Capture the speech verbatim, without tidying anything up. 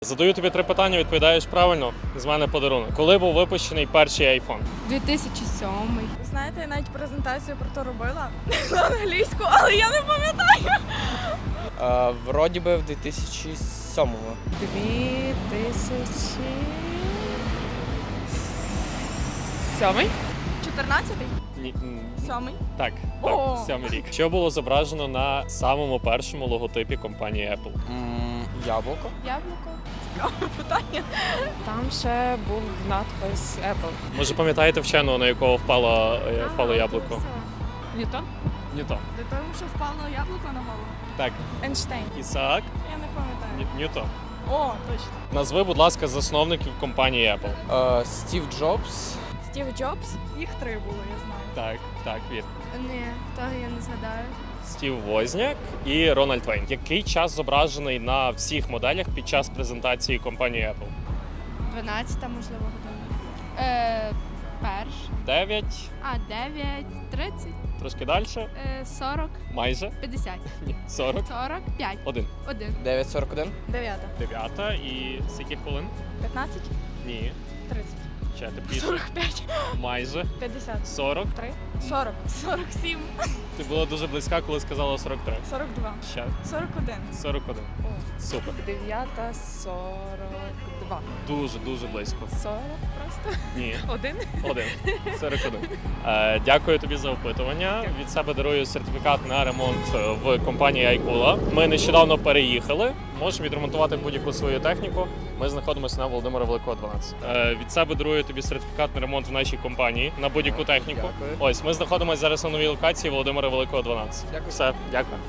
Задаю тобі три питання, відповідаєш правильно. З мене подарунок. Коли був випущений перший айфон? дві тисячі сьомий. Знаєте, я навіть презентацію про то робила на англійську, але я не пам'ятаю. Е, Вроді би в дві тисячі сьомому. Дві тисячі сьомий? чотирнадцятий? Ні. м, Сьомий? Так, О! так, сьомий рік. Що було зображено на самому першому логотипі компанії Apple? М, Яблуко. Яблуко. Цікаве питання. Там ще був надпис Apple. Може, пам'ятаєте вченого, на якого впало, е, впало яблуко? Ньютон? Ньютон. До того, що впало яблуко на голову. Так, Ейнштейн. Ісаак Я не пам'ятаю. Ні- Ньютон. О, точно. Назви, будь ласка, засновників компанії Apple. Е, Стів Джобс. Стів Джобс. Їх три було, я знаю. Так, так, вір. Ні, того я не згадаю. Стів Возняк і Рональд Вейн. Який час зображений на всіх моделях під час презентації компанії Apple? дванадцята, можливо, година. Е, перш. дев'ять, А, дев'ять, тридцять, трошки далі, е, сорок, майже, п'ятдесят. ні, сорок, сорок п'ять. один. Один. дев'ять сорок один. Дев'ята. Дев'ята і скільки хвилин? П'ятнадцять? Ні, Тридцять. ще тепліше. Сорок п'ять. Майже, П'ятдесят. сорок. Три. Сорок. Сорок сім. Ти була дуже близька, коли сказала сорок три. Сорок два. Ще Сорок один. сорок один. Супер. Дев'ята, сорок два. Дуже, дуже близько. Сорок просто? Ні. Один? Один. сорок один. Е, дякую тобі за опитування. Від себе дарую сертифікат на ремонт в компанії Айкула. Ми нещодавно переїхали. Можемо відремонтувати будь-яку свою техніку. Ми знаходимося на Володимира Великого, дванадцять. Е, від себе дарую тобі сертифікат на ремонт в нашій компанії на будь-яку техніку. Дякую. Ось ми знаходимося зараз на новій локації Володимира Великого, дванадцять. Дякую. Все, дякую.